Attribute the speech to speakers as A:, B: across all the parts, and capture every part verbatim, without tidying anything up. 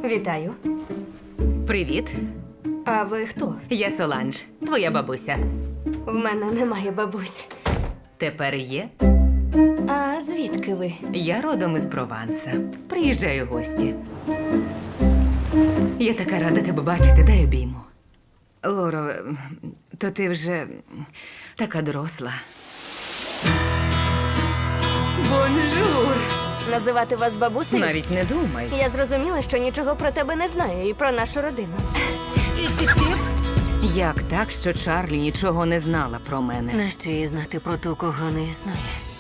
A: Вітаю.
B: Привіт,
A: А ви хто?
B: я Соланж, твоя бабуся.
A: В мене немає бабусь.
B: Тепер є.
A: А звідки ви?
B: Я родом із Прованса. Приїжджаю в гості. Я така рада тебе бачити, дай обійму. Лоро, то ти вже така доросла. Бонжур!
A: Називати вас бабусею?
B: Навіть не думай.
A: Я зрозуміла, що нічого про тебе не знаю і про нашу родину.
B: Як так, що Чарлі нічого не знала про мене?
C: Нащо їй знати про ту, кого не існує?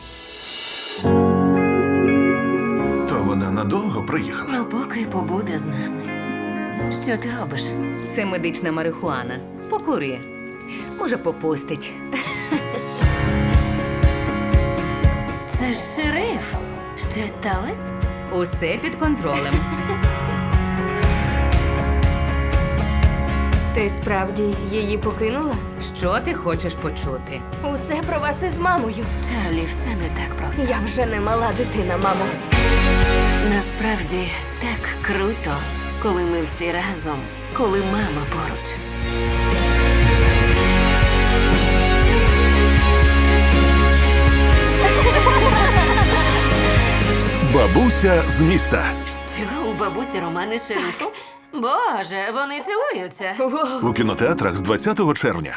D: То вона надовго приїхала.
C: Ну, поки побуде з нами. Що ти робиш?
B: Це медична марихуана. Покури. Може, попустить.
C: Це ж шериф. Щось сталося?
B: Усе під контролем.
A: Ти справді її покинула?
B: Що ти хочеш почути?
A: Усе про вас із мамою.
C: Чарлі, все не так просто.
A: Я вже не мала дитина, мамо.
C: Насправді так круто, коли ми всі разом, коли мама поруч.
D: Бабуся з міста.
C: Що, у бабусі романи з шерифом? Боже, вони цілуються.
A: Воу.
D: У кінотеатрах з двадцятого червня.